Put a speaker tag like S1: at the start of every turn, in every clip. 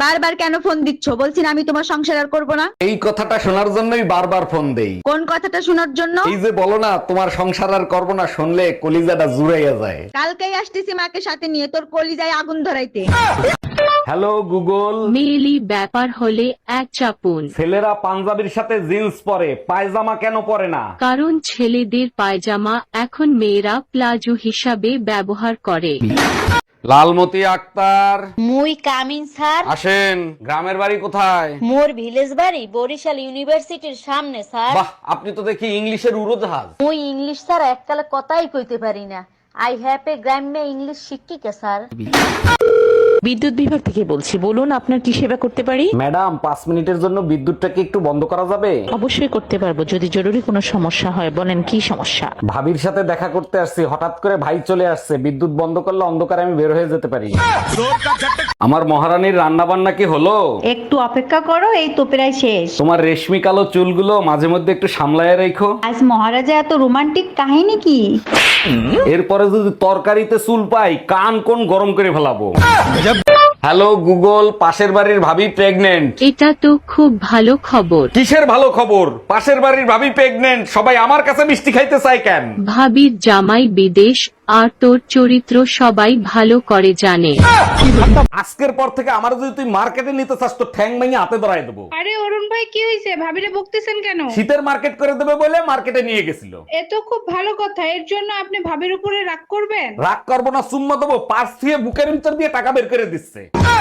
S1: বারবার কেন ফোন দিচ্ছ? বলছি না আমি তোমার সংসার আর করবো না।
S2: এই কথাটা শোনার জন্যই বারবার ফোন দেই।
S1: কোন কথাটা শোনার জন্য?
S2: এই যে বলো না তোমার সংসার আর করবো না, শুনলে কলিজাটা জুড়াইয়া যায়।
S1: কালকেই আসতেছি মাকে সাথে নিয়ে তোর কলিজায় আগুন ধরাইতে।
S2: Hello Google.
S3: মেয়েলি ব্যাপার হলে এক চাপুন।
S2: ছেলেরা পাঞ্জাবির সাথে জিন্স পরে, পায়জামা কেন পরে না?
S3: কারণ ছেলেদের পায়জামা এখন মেয়েরা প্লাজো হিসাবে ব্যবহার করে।
S2: লালমতি আক্তার,
S4: মুই কামিন স্যার।
S2: আসেন। গ্রামের বাড়ি কোথায়?
S4: মোর ভিলেজ বাড়ি বরিশাল ইউনিভার্সিটির সামনে স্যার।
S2: বাহ, আপনি তো দেখি ইংলিশের উড়োজাহাজ।
S4: মুই ইংলিশ স্যার এককালে কথাই কইতে পারি না। আই হ্যাভ এ গ্রাম্য ইংলিশ শিক্ষিকা স্যার।
S5: বিদ্যুৎ বিভাগ থেকে বলছি, বলুন আপনার কি সেবা করতে পারি?
S2: ম্যাডাম, 5 মিনিটের জন্য বিদ্যুৎটাকে একটু বন্ধ করা যাবে?
S5: অবশ্যই করতে পারবো, যদি জরুরি কোনো সমস্যা হয়। বলেন কি সমস্যা?
S2: ভাবির সাথে দেখা করতে আসছি, হঠাৎ করে ভাই চলে আসছে। বিদ্যুৎ বন্ধ করলে অন্ধকারে আমি বের হয়ে যেতে পারি। আমার মহারানীর রান্না বান্না কি হলো?
S6: একটু অপেক্ষা করো, এই তো প্রায় শেষ।
S2: তোমার রেশমি কালো চুলগুলো মাঝে মধ্যে একটু সামলায় রেখো।
S6: আজ মহারাজা এত রোমান্টিক কাহিনী কি?
S2: এরপরে যদি তরকারিতে চুল পাই, কান কোন গরম করে ফেলাবো। হ্যালো গুগল, পাশের বাড়ির ভাবি প্রেগনেন্ট।
S3: এটা তো খুব ভালো খবর।
S2: কিসের ভালো খবর? পাশের বাড়ির ভাবি প্রেগনেন্ট, সবাই আমার কাছে মিষ্টি খাইতে চায় কেন?
S3: ভাবির জামাই বিদেশ, আর তোর চরিত্র সবাই ভালো করে জানে।
S2: আজকের পর থেকে আমার যদি তুই মার্কেটে নিতে চাস তো ঠ্যাং ভেঙে হাতে ধরায় দেবো।
S7: আরে অরুণ ভাই, কি হয়েছে? ভাবিরে বকতেছেন কেন?
S2: শীতের মার্কেট করে দেবে বলে মার্কেটে নিয়ে গেছিল।
S7: এ তো খুব ভালো কথা। এর জন্য আপনি ভাবির উপরে রাগ করবেন?
S2: রাগ করবো না, চুম্মা দেবো। পার্স দিয়ে বুকের ভিতর দিয়ে টাকা বের করে দিচ্ছে।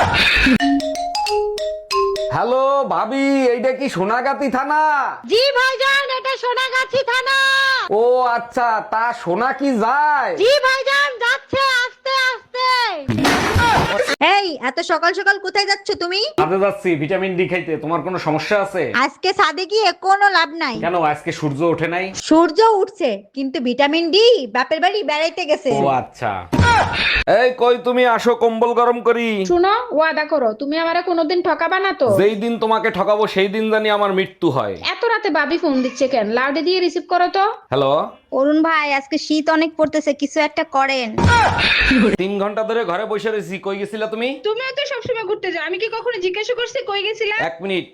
S2: হ্যালো ভাবি, এইটা কি সোনাগাতি থানা?
S1: জি ভাইজান, এটা সোনাগাছি থানা।
S2: ও আচ্ছা, তা সোনা কি যায়?
S1: জি ভাইজান, যাচ্ছে আস্তে আস্তে। এই এত সকাল সকাল কোথায় যাচ্ছ তুমি?
S2: কাজে যাচ্ছি ভিটামিন ডি খাইতে। তোমার কোনো সমস্যা আছে?
S1: আজকে ছাদে গিয়ে কোনো লাভ নাই।
S2: কেন, আজকে সূর্য ওঠে নাই?
S1: সূর্য উঠছে, কিন্তু ভিটামিন ডি বাপের বাড়ি বেড়াইতে গেছে।
S2: ও আচ্ছা। এই কই তুমি, আসো কম্বল গরম করি।
S7: শুনো, ওয়াদা করো তুমি আমারে কোনোদিন ঠকাবা না তো?
S2: যেই দিন তোমাকে ঠকাবো সেই দিন জানি আমার মৃত্যু হয়।
S7: এত রাতে ভাবি ফোন দিচ্ছে কেন? লাউডে দিয়ে রিসিভ করো তো।
S2: হ্যালো।
S1: অরুণ ভাই, আজকে শীত অনেক পড়তেছে, কিছু একটা করেন।
S2: 3 ঘন্টা ধরে ঘরে বসে রয়েছি, কই গেছিলা তুমি?
S7: তুমিও তো সবসময় ঘুরতে যাও, আমি কি কখনো জিজ্ঞাসা করছি কই গেছিলা?
S2: 1 মিনিট।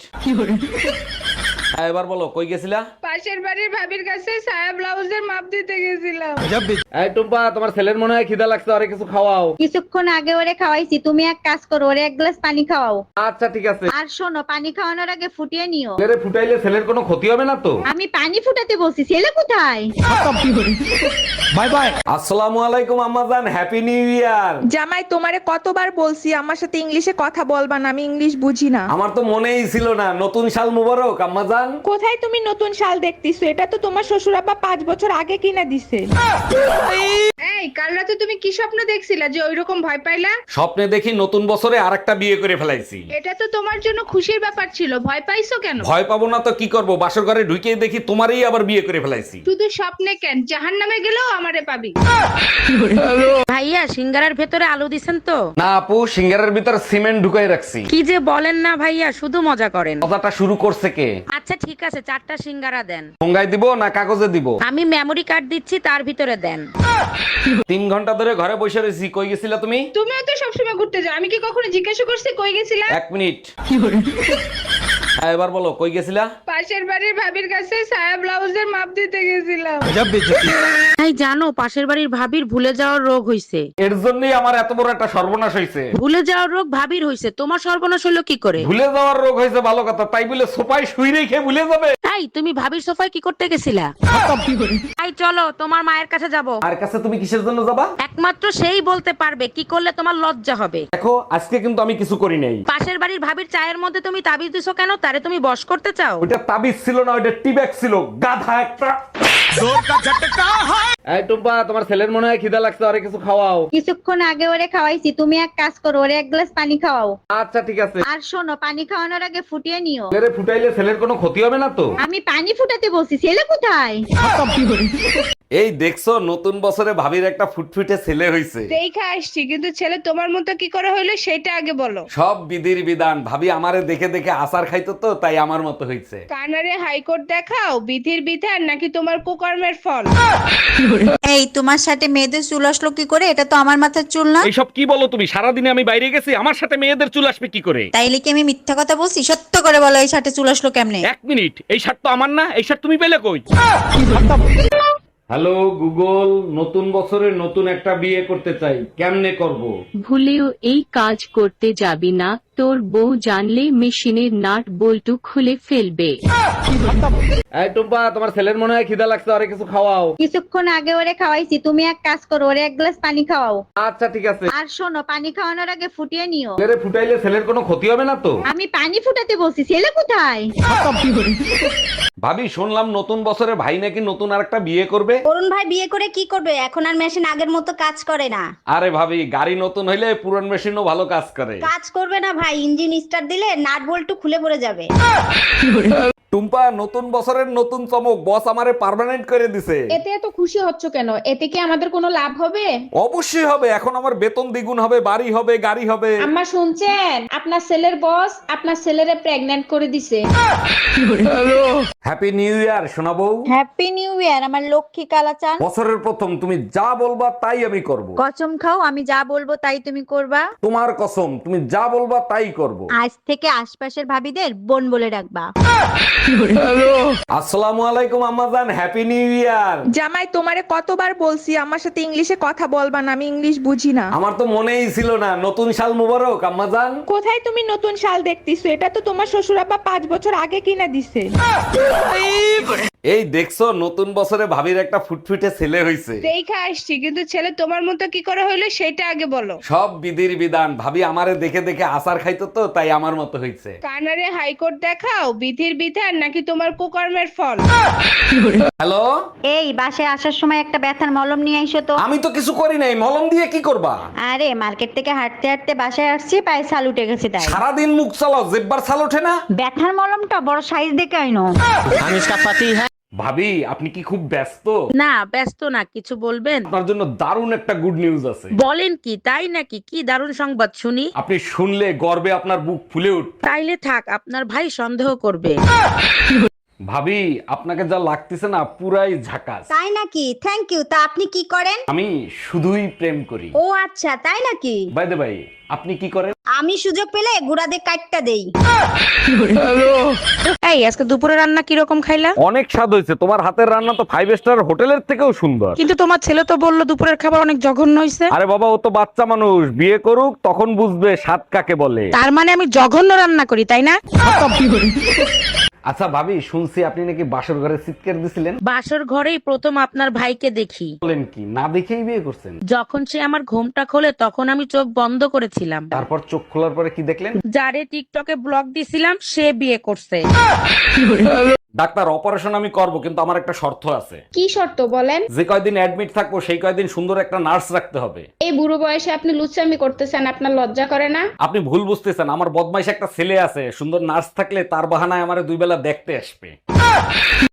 S2: হ্যাঁ, এবার বলো কই গেছিলা?
S7: পাশের বাড়ির ভাবির কাছে সায়া ব্লাউজের মাপ দিতে গেছিলাম।
S2: এই টুম্পা, তোমার ছেলের মনে হয় খিদা লাগছে, আরে কিছু খাওয়াও।
S1: কিছুক্ষণ আগে ওরে খাওয়াইছি, তুমি এক কাজ করো, ওরে এক গ্লাস পানি খাওয়াও।
S2: আচ্ছা ঠিক আছে।
S1: আর শোনো, পানি খাওয়ানোর আগে ফুটিয়ে নিও।
S2: ছেলেরে ফুটাইলে ছেলের কোনো ক্ষতি হবে না তো?
S1: আমি পানি ফুটাতে বলছি, ছেলে কোথায়?
S2: Bye bye. আসসালামু আলাইকুম আম্মাজান, হ্যাপি নিউ ইয়ার।
S8: জামাই, তোমারে কতবার বলছি আমার সাথে ইংলিশে কথা বলবা না, আমি ইংলিশ বুঝি না।
S2: আমার তো মনেই ছিল না। নতুন সাল মুবারক আম্মাজান।
S8: কোথায় তুমি নতুন শাল দেখতেছো? এটা তো তোমার শ্বশুর আব্বা 5 বছর আগে কিনা দিছে।
S7: এই কাল রাতে তুমি কি স্বপ্ন দেখছিলা যে ওইরকম ভয় পাইলা?
S2: স্বপ্নে দেখি নতুন বছরে আরেকটা বিয়ে করে ফেলাইছি।
S7: এটা তো তোমার জন্য খুশির ব্যাপার ছিল, ভয় পাইছো কেন?
S2: ভয় পাবো না তো কি করব, বাসর ঘরে ঢুকেই দেখি তোমারই আবার বিয়ে করে ফেলাইছি।
S7: শুধু স্বপ্নে কেন, জাহান্নামে গেলেও আমারে পাবি।
S9: ভাইয়া, সিঙ্গারার ভেতরে আলু দিছেন তো?
S2: না আপু, সিঙ্গারের ভিতর সিমেন্ট ঢুকাই রাখছি।
S9: কি যে বলেন না ভাইয়া, শুধু মজা করেন।
S2: কথাটা শুরু করছে কে?
S9: আচ্ছা ঠিক আছে, 4টা সিঙ্গারা দেন।
S2: ঠোঙ্গায় দিব না কাগজে দিব?
S9: আমি মেমরি কার্ড দিচ্ছি, তার ভিতরে দেন।
S2: 3 ঘন্টা ধরে ঘরে বসে রয়েছি, কই গেছিলা তুমি?
S7: তুমিও তো সবসময় ঘুরতে যাও, আমি কি কখনো জিজ্ঞাসা করছি কই গেছিলা?
S2: 1 মিনিট। হ্যাঁ, এবার বলো কই গেছিলা?
S7: পাশের বাড়ির ভাবির কাছে সায়া ব্লাউজের মাপ দিতে গেছিলাম।
S9: তাই জানো, পাশের বাড়ির ভাবির ভুলে যাওয়ার রোগ হইছে।
S2: এর জন্যই আমার এত বড় একটা সর্বনাশ হয়েছে।
S9: ভুলে যাওয়ার রোগ ভাবির হইছে, তোমার সর্বনাশ হলো কি করে?
S2: ভুলে যাওয়ার রোগ হয়েছে ভালো কথা, তাই বলে সোফায় শুই রেখে ভুলে যাবে?
S9: তাই তুমি ভাবির সোফায় কি করতে গেছিলা? তাই চলো, তোমার মায়ের কাছে যাব।
S2: আর কাছে তুমি কিসের জন্য যাবা?
S9: একমাত্র সেই বলতে পারবে কি করলে তোমার লজ্জা হবে।
S2: দেখো, আজকে কিন্তু আমি কিছু করি নাই।
S9: পাশের বাড়ির ভাবির চায়ের মধ্যে তুমি তাবিজ দিছো কেন? তারে তুমি বশ করতে চাও?
S2: ওইটা তাবিজ ছিল না, ওইটা টিব্যাগ ছিল, গাধা একটা। এই টুম্পা, তোমার ছেলের মনে হয় খিদা লাগছে, আরে কিছু খাওয়াও।
S1: কিছুক্ষণ আগে ওরে খাওয়াইছি, তুমি এক কাজ করো, ওরে এক গ্লাস পানি খাওয়াও।
S2: আচ্ছা ঠিক আছে।
S1: আর শোনো, পানি খাওয়ানোর আগে ফুটিয়ে নিও।
S2: ছেলেরে ফুটাইলে ছেলের কোনো ক্ষতি হবে না তো?
S1: আমি পানি ফুটাতে বলছি, ছেলে কোথায়?
S2: এই দেখছো, নতুন বছরে ভাবির একটা ফুটফুটে ছেলে হইছে।
S7: দেখা আসছি, কিন্তু ছেলে তোমার মতো কি করে হইলো সেটা আগে বলো।
S2: সব বিধির বিধান। ভাবি আমারে দেখে দেখে আচার খাইতো তো তাই আমার মতো হয়েছে।
S7: কানারে হাইকোর্ট দেখাও, বিধির বিধান নাকি তোমার কুকর্মের ফল?
S1: এই তোমার সাথে মেয়েদের চুল আসলো কি করে? এটা তো আমার মাথার চুল না।
S2: এইসব কি বলো তুমি? সারাদিনে আমি বাইরে গেছি, আমার সাথে মেয়েদের চুল আসবে কি করে?
S1: তাইলে কি আমি মিথ্যা কথা বলছি? সত্য করে বলো, এই সাথে চুল আসলো কেমনে?
S2: এক মিনিট, এই শার্ট তো আমার না, এই শার্ট তুমি পেলে কই? হ্যালো গুগল, নতুন বছরে নতুন একটা বিয়ে করতে চাই, কেমনে করব?
S3: ভুলেও এই কাজ করতে যাবি না, তোর বউ জানলে মেশিনের নাট বল্টু খুলে ফেলবে।
S2: এই টুম্পা, তোমার ছেলের মনে হয় খিদা লাগছে, আরে কিছু খাওয়াও।
S6: কিছুক্ষণ আগে ওরে খাওয়াইছি, তুমি এক কাজ করো, ওরে এক গ্লাস পানি খাওয়াও।
S2: আচ্ছা ঠিক আছে।
S6: আর শোনো, পানি খাওয়ানোর আগে ফুটিয়ে নিও।
S2: ছেলেরে ফুটাইলে ছেলের কোনো ক্ষতি হবে না তো?
S6: আমি পানি ফুটাতে বলছি, ছেলে কোথায়?
S2: ভাবি, শুনলাম নতুন বছরে ভাই নাকি নতুন আরেকটা বিয়ে করবে।
S1: অরুণ ভাই বিয়ে করে কি করবে? এখন আর মেশিন আগের মতো কাজ করে না।
S2: আরে ভাবি, গাড়ি নতুন হইলে পুরান মেশিনও ভালো কাজ করে।
S1: কাজ করবে না ভাই, ইঞ্জিন স্টার্ট দিলে নাট বল্টু খুলে পড়ে যাবে।
S2: টুম্পা, নতুন বছরের নতুন চমক, বস আমারে পার্মানেন্ট করে দিছে।
S7: এতে এত খুশি হচ্ছ কেন? এতে কি আমাদের কোনো লাভ হবে?
S2: অবশ্যই হবে, এখন আমার বেতন দ্বিগুণ হবে, বাড়ি হবে, গাড়ি হবে।
S7: আম্মা শুনছেন? আপনার ছেলের বস আপনার ছেলেরে প্রেগন্যান্ট করে দিছে।
S2: হ্যাপি নিউ ইয়ার সোনা বউ।
S6: হ্যাপি নিউ ইয়ার আমার লক্ষ্মী কালাচান।
S2: বছরের প্রথম, তুমি যা বলবা তাই আমি করব।
S6: কসম খাও, আমি যা বলবো তাই তুমি করবা।
S2: তোমার কসম, তুমি যা বলবা তাই করব।
S6: আজ থেকে আশপাশের ভাবিদের বোন বলে ডাকবা।
S2: আসসালামু আলাইকুম আম্মাজান, হ্যাপি নিউ ইয়ার।
S8: জামাই, তোমারে কতবার বলছি আমার সাথে ইংলিশে কথা বলবা না, আমি ইংলিশ বুঝি না।
S2: আমার তো মনেই ছিল না। নতুন সাল মুবারক আম্মাজান।
S8: কোথায় তুমি নতুন শাল দেখতেছো? এটা তো তোমার শ্বশুর আব্বা 5 বছর আগে কিনা দিছে।
S2: এই দেখছো, নতুন বছরে ভাবির একটা ফুটফুটে ছেলে হইছে।
S7: দেখা আসছি, কিন্তু ছেলে তোমার মতো কি করে হইলো সেটা আগে বলো।
S2: সব বিধির বিধান। ভাবি আমারে দেখে দেখে আচার খাইতো তো তাই আমার মতো হইছে।
S7: কানারে হাইকোর্ট দেখাও, বিধির বিধান নাকি তোমার কুকর্মের ফল?
S2: হ্যালো,
S6: এই বাসায় আসার সময় একটা ব্যথার মলম নিয়ে আইসো তো।
S2: আমি তো কিছু করি নাই, মলম দিয়ে কি করবা?
S6: আরে মার্কেট থেকে হাঁটতে হাঁটতে বাসায় আসছি, পায়ে ছাল উঠে গেছে তাই।
S2: সারাদিন মুখ চালাও, জেব্বার ছাল ওঠে না?
S6: ব্যথার মলমটা বড় সাইজ দেখে আইনো।
S2: ভাবি, আপনি কি খুব ব্যস্ত?
S9: না ব্যস্ত না, কিছু বলবেন?
S2: আপনার জন্য দারুণ একটা গুড নিউজ আছে।
S9: বলেন কি, তাই নাকি? কি দারুণ সংবাদ শুনি।
S2: আপনি শুনলে গর্বে আপনার বুক ফুলে উঠবে।
S9: তাইলে থাক, আপনার ভাই সন্দেহ করবে।
S2: ভাবি, আপনাকে যা লাগতেছে না, পুরাই ঝাকাস।
S1: তাই নাকি? Thank you. তা আপনি কি করেন?
S2: আমি শুধুই প্রেম করি।
S1: ও আচ্ছা, তাই নাকি?
S2: বাই দ্য বাই, আপনি কি করেন?
S1: আমি সুযোগ পেলে গুড়াদের কাটটা দেই।
S9: এই আজকে দুপুরে রান্না কিরকম খাইলা?
S2: অনেক স্বাদ হয়েছে। তোমার হাতের রান্না তো 5 স্টার হোটেলের থেকেও সুন্দর।
S9: কিন্তু তোমার ছেলে তো বললো দুপুরের খাবার অনেক জঘন্য হয়েছে।
S2: আরে বাবা, ও তো বাচ্চা মানুষ, বিয়ে করুক তখন বুঝবে স্বাদ কাকে বলে।
S9: তার মানে আমি জঘন্য রান্না করি, তাই না?
S2: আচ্ছা ভাবি, শুনছি আপনি নাকি বাসর ঘরে চিৎকার দিছিলেন।
S9: বাসর ঘরেই প্রথম আপনার ভাইকে দেখি।
S2: বলেন কি, না দেখেই বিয়ে করছেন?
S9: যখন সে আমার ঘুমটা খোলে তখন আমি চোখ বন্ধ করেছিলাম।
S2: তারপর চোখ খোলার পরে কি দেখলেন?
S9: যারে টিকটকে ব্লগ দিছিলাম সে বিয়ে করছে।
S2: ডাক্তার, অপারেশন আমি করব, কিন্তু আমার একটা শর্ত আছে।
S7: কি শর্ত বলেন?
S2: যে কয়দিন অ্যাডমিট থাকবো সেই কয়দিন সুন্দর একটা নার্স রাখতে হবে।
S7: এই বুড়ো বয়সে আপনি লুচ্চামি করতেছেন, আপনার লজ্জা করে না?
S2: আপনি ভুল বুঝতেছেন, আমার বদমাইশ একটা ছেলে আছে, সুন্দর নার্স থাকলে তার বাহানায় আমারে 2 বেলা দেখতে আসবে।